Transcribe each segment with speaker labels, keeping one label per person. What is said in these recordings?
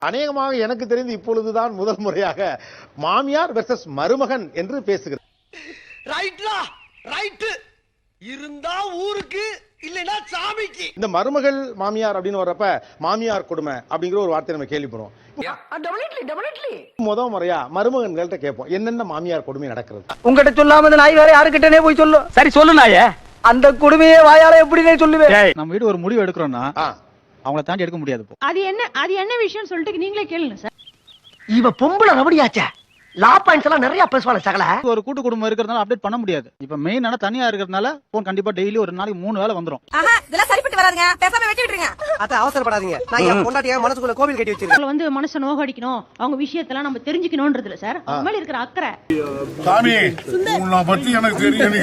Speaker 1: அநேகமாக எனக்கு தெரிந்து இப்பொழுதுதான் முதல் முறையாக மாமியார் வெர்சஸ் மருமகன் என்று பேசுகிறது.
Speaker 2: ரைட்லா ரைட் இருந்தா ஊருக்கு இல்லனா சாமிக்கு.
Speaker 1: இந்த மருமகள் மாமியார் அப்படின்னு வர்றப்ப மாமியார் கொடுமை அப்படிங்கிற ஒரு வார்த்தை நம்ம கேள்விப்படுறோம். முதல் முறையா மருமகன்கள்ட்ட கேட்போம் என்னென்ன மாமியார் கொடுமை நடக்கிறது.
Speaker 3: உங்ககிட்ட சொல்லாம இந்த நாய் வேற யாருக்கிட்டனே போய் சொல்லும்.
Speaker 4: சரி சொல்லு நாயே.
Speaker 3: அந்த கொடுமையை வாயால எப்படி சொல்லுவேன்.
Speaker 4: நம்ம வீடு ஒரு முடிவு எடுக்கிறோம்னா அவங்கள தாண்டி எடுக்க முடியாது.
Speaker 5: அது என்ன விஷயம் சொல்லிட்டு நீங்களே கேளுங்க சார்.
Speaker 3: இவ பொம்பளை ரவடியாச்சே. லா பாயிண்ட்ஸ் எல்லாம் நிறைய பேசுவாங்க சகல.
Speaker 4: ஒரு கூட்டு குடும்பம் இருக்கிறதுனால அப்டேட் பண்ண முடியாது. இப்ப மெயினான தனியா இருக்கிறதுனால போன் கண்டிப்பா டெய்லி ஒரு நாளைக்கு 3 வேளை வந்துரும்.
Speaker 6: இதெல்லாம் சரிப்பட்டு வராதுங்க. பேசாம வெட்டி விட்டுருங்க.
Speaker 3: அத அவசரப்படாதீங்க. நான் என் பொண்டாட்டியா மனசுக்குள்ள கோவில் கட்டி வச்சிருக்கேன்.
Speaker 5: வந்து மனச நோகடிக்கணும், அவங்க விஷயத்தெல்லாம் நம்ம தெரிஞ்சுக்கணும்ன்றதுல சார் அவங்க மேல இருக்கிற அக்கறை.
Speaker 7: சாமி உன்னை பத்தி எனக்கு தெரியும்.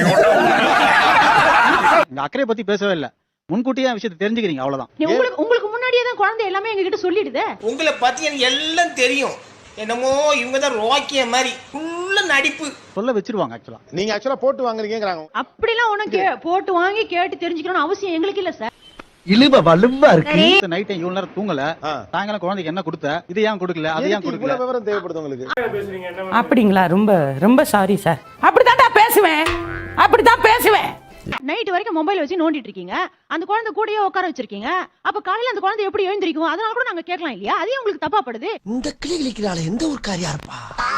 Speaker 4: இந்த அக்கறை பத்தி பேசவே இல்ல. முன்கூட்டியே விஷயத்தை தெரிஞ்சுக்கிறீங்க அவ்வளவுதான்.
Speaker 5: உங்களுக்கு முன்னாடியே தான் குழந்தை எல்லாமே எங்க கிட்ட சொல்லிடுதே.
Speaker 2: உங்களை பத்தி எனக்கு எல்லாம் தெரியும். என்னமோ இவங்க தான் ரோக்கிய மாதிரி ஃபுல்ல நடிப்பு
Speaker 4: சொல்ல வச்சிருவாங்க. ஆக்சுவலா
Speaker 1: நீங்க ஆக்சுவலா போட்டு வாங்குறீங்கங்கறாங்க.
Speaker 5: அப்படிலாம் உனக்கு போட்டு வாங்கி கேட்டு தெரிஞ்சுக்கணும்னு அவசியம் எங்களுக்கு இல்ல சார்.
Speaker 3: இழுவ வலுவா இருக்கு.
Speaker 4: நைட் இவ்வளவு நேரம் தூங்கல, சாயங்காலம் குழந்தைக்கு என்ன கொடுத்த, இது ஏன் கொடுக்கல, அது ஏன் கொடுக்கல,
Speaker 1: இவ்வளவு விவரம் தேவைப்படுது உங்களுக்கு.
Speaker 8: அப்படிங்களா? ரொம்ப ரொம்ப சாரி சார். அப்படிதான் பேசுவேன்.
Speaker 5: நைட் வரைக்கும் மொபைல் வச்சு நோண்டிட்டு இருக்கீங்க, அந்த குழந்தை கூடயே உட்கார வச்சிருக்கீங்க. அப்ப காலையில அந்த குழந்தை எப்படி எழுந்திருக்கும்? அதனால கூட நாங்க கேட்கலாம் இல்லையா? அதே உங்களுக்கு தப்பா படுது.
Speaker 3: இந்த கிளி கிளிக்கிறாள் எந்த ஒரு காரியா இருப்பா.